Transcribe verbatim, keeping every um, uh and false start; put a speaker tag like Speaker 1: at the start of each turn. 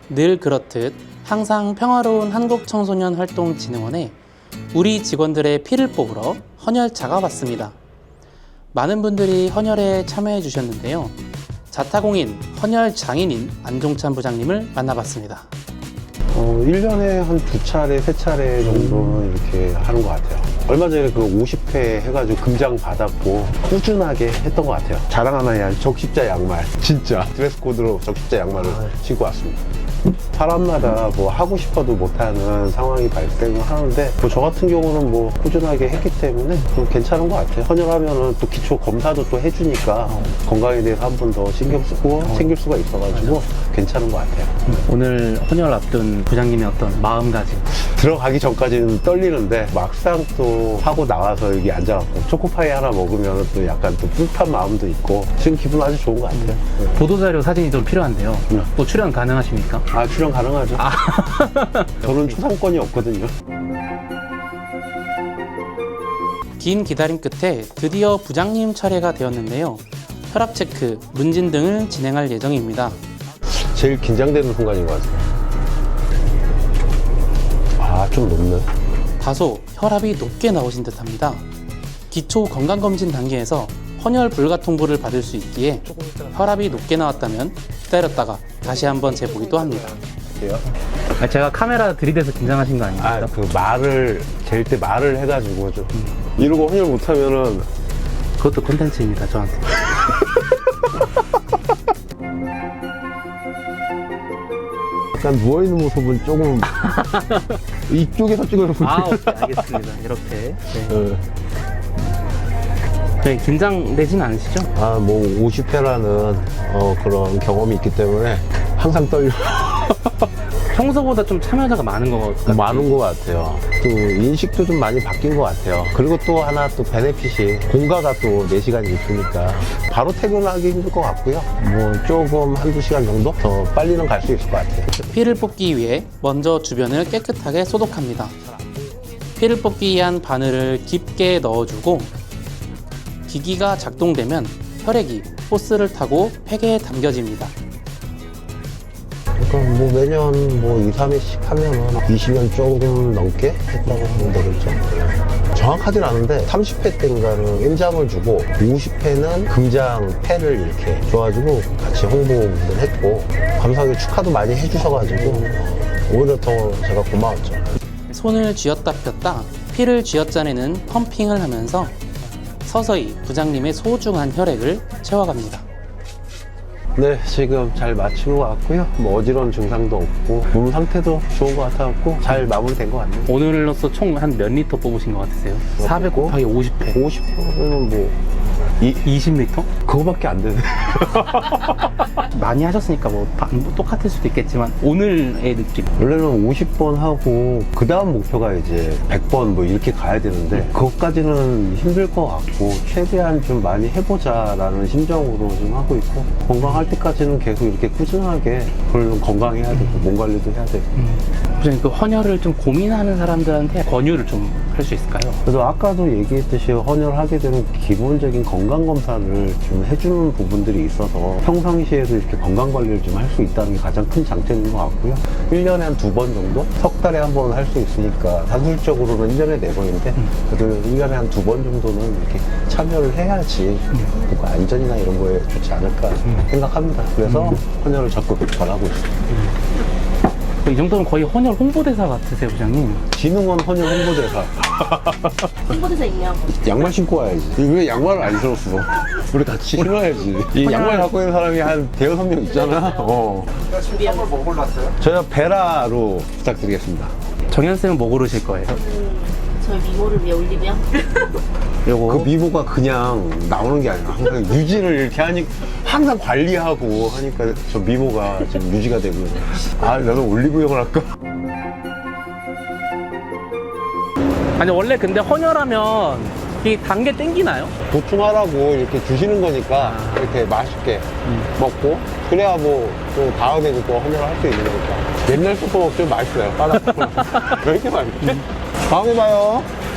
Speaker 1: 늘 그렇듯 항상 평화로운 한국청소년활동진흥원에 우리 직원들의 피를 뽑으러 헌혈차가 왔습니다. 많은 분들이 헌혈에 참여해 주셨는데요. 자타공인 헌혈 장인인 안종찬 부장님을 만나봤습니다.
Speaker 2: 어, 일 년에 한 두 차례, 세 차례 정도는 이렇게 하는 것 같아요. 얼마 전에 그 오십 회 해가지고 금장 받았고 꾸준하게 했던 것 같아요. 자랑 하나 해야 적십자 양말. 진짜 드레스 코드로 적십자 양말을 신고 왔습니다. 사람마다 뭐 하고 싶어도 못하는 상황이 발생을 하는데 뭐 저 같은 경우는 뭐 꾸준하게 했기 때문에 좀 괜찮은 것 같아요. 헌혈하면은 또 기초 검사도 또 해주니까 건강에 대해서 한 번 더 신경 쓰고 챙길 수가 있어가지고 괜찮은 것 같아요.
Speaker 1: 오늘 헌혈 앞둔 부장님의 어떤 마음가짐?
Speaker 2: 들어가기 전까지는 떨리는데 막상 또 하고 나와서 여기 앉아갖고 초코파이 하나 먹으면 또 약간 또 뿌듯한 마음도 있고 지금 기분 아주 좋은 것 같아요. 네.
Speaker 1: 보도자료 사진이 좀 필요한데요.
Speaker 2: 네.
Speaker 1: 또 출연 가능하십니까?
Speaker 2: 아, 출연 가능하죠.
Speaker 1: 아.
Speaker 2: 저는 초상권이 없거든요.
Speaker 1: 긴 기다림 끝에 드디어 부장님 차례가 되었는데요. 혈압 체크, 문진 등을 진행할 예정입니다.
Speaker 2: 제일 긴장되는 순간인 것 같아요. 아, 좀 높네.
Speaker 1: 다소 혈압이 높게 나오신 듯합니다. 기초 건강검진 단계에서 헌혈 불가 통보를 받을 수 있기에 혈압이 높게 나왔다면 기다렸다가 다시 한번 재보기도 합니다.
Speaker 2: 어때요?
Speaker 1: 제가 카메라 들이대서 긴장하신 거 아닙니까?
Speaker 2: 아, 그 말을 잴 때 말을 해가지고 좀 음. 이러고 헌혈 못하면은
Speaker 1: 그것도 콘텐츠입니다, 저한테.
Speaker 2: 약간 누워있는 모습은 조금 이쪽에서 찍어서
Speaker 1: 아, 오케이, 알겠습니다. 이렇게. 네.
Speaker 2: 네.
Speaker 1: 네, 긴장되진 않으시죠?
Speaker 2: 아, 뭐 오십 회라는 어, 그런 경험이 있기 때문에 항상 떨려.
Speaker 1: 평소보다 좀 참여자가 많은 것 같아요.
Speaker 2: 많은 것 같아요. 또 인식도 좀 많이 바뀐 것 같아요. 그리고 또 하나 또 베네핏이 공가가 또 네 시간 있으니까 바로 퇴근하기 힘들 것 같고요. 뭐 조금 한두 시간 정도 더 빨리는 갈 수 있을 것 같아요.
Speaker 1: 피를 뽑기 위해 먼저 주변을 깨끗하게 소독합니다. 피를 뽑기 위한 바늘을 깊게 넣어주고 기기가 작동되면 혈액이 호스를 타고 팩에 담겨집니다.
Speaker 2: 그러니까 뭐 매년 뭐 이, 삼 회씩 하면은 이십 년 조금 넘게 했다고 보면 되겠죠. 정확하진 않은데 삼십 회 때인가는 인장을 주고 오십 회는 금장 패를 이렇게 줘가지고 같이 홍보를 했고 감사하게 축하도 많이 해주셔가지고 오히려 더 제가 고마웠죠.
Speaker 1: 손을 쥐었다 폈다 피를 쥐어짜내는 펌핑을 하면서 서서히 부장님의 소중한 혈액을 채워갑니다.
Speaker 2: 네, 지금 잘 마친 것 같고요. 뭐 어지러운 증상도 없고 몸 상태도 좋은 것 같아갖고 잘 마무리된 것 같네요.
Speaker 1: 오늘로서 총 한 몇 리터 뽑으신 것 같으세요? 사백 곱하기 오십 회.
Speaker 2: 오십 회는 뭐 이,
Speaker 1: 이십 리터?
Speaker 2: 그거밖에 안 되네.
Speaker 1: 많이 하셨으니까 뭐 똑같을 수도 있겠지만 오늘의 느낌.
Speaker 2: 원래는 오십 번 하고 그 다음 목표가 이제 백 번 뭐 이렇게 가야 되는데 그것까지는 힘들 것 같고 최대한 좀 많이 해보자라는 심정으로 좀 하고 있고 건강할 때까지는 계속 이렇게 꾸준하게 물론 건강해야 되고 몸 관리도 해야 되고.
Speaker 1: 음. 그 헌혈을 좀 고민하는 사람들한테 권유를 좀 할 수 있을까요?
Speaker 2: 그래서 아까도 얘기했듯이 헌혈하게 되면 기본적인 건강검사를 좀 해주는 부분들이 있어서 평상시에도 이렇게 건강관리를 좀 할 수 있다는 게 가장 큰 장점인 것 같고요. 일 년에 한 두 번 정도? 석 달에 한 번 할 수 있으니까 단술적으로는 일 년에 네 번인데 그래도 일 년에 한 두 번 정도는 이렇게 참여를 해야지 뭔가 안전이나 이런 거에 좋지 않을까 생각합니다. 그래서 헌혈을 적극 권하고 있습니다.
Speaker 1: 이 정도면 거의 헌혈 홍보대사 같으세요, 부장님?
Speaker 2: 진흥원 헌혈 홍보대사.
Speaker 3: 홍보대사 임명.
Speaker 2: 양말 신고 와야지. 왜 양말을 안 신었어? 우리 같이 신어야지. 이 양말 갖고 있는 사람이 한 대여섯 명 있잖아. 어.
Speaker 3: 준비하고
Speaker 4: 뭐 골랐어요?
Speaker 2: 저희가 베라로 부탁드리겠습니다.
Speaker 1: 정현쌤은 뭐 고르실 거예요?
Speaker 3: 저희 미모를 위해 올리면
Speaker 1: 요거.
Speaker 2: 그 미모가 그냥 나오는 게 아니라 항상 유지를 이렇게 하니 항상 관리하고 하니까 저 미모가 지금 유지가 되고. 아, 나도 올리브영을 할까?
Speaker 1: 아니 원래 근데 헌혈하면 이 단계 땡기나요?
Speaker 2: 보충하라고 이렇게 주시는 거니까 이렇게 맛있게 먹고 그래야 뭐 또 다음에도 또 헌혈을 할 수 있는 거니까. 옛날 소포 좀 맛있어요. 바닥 소포. 왜 이렇게 맛있지? 다음에 봐요.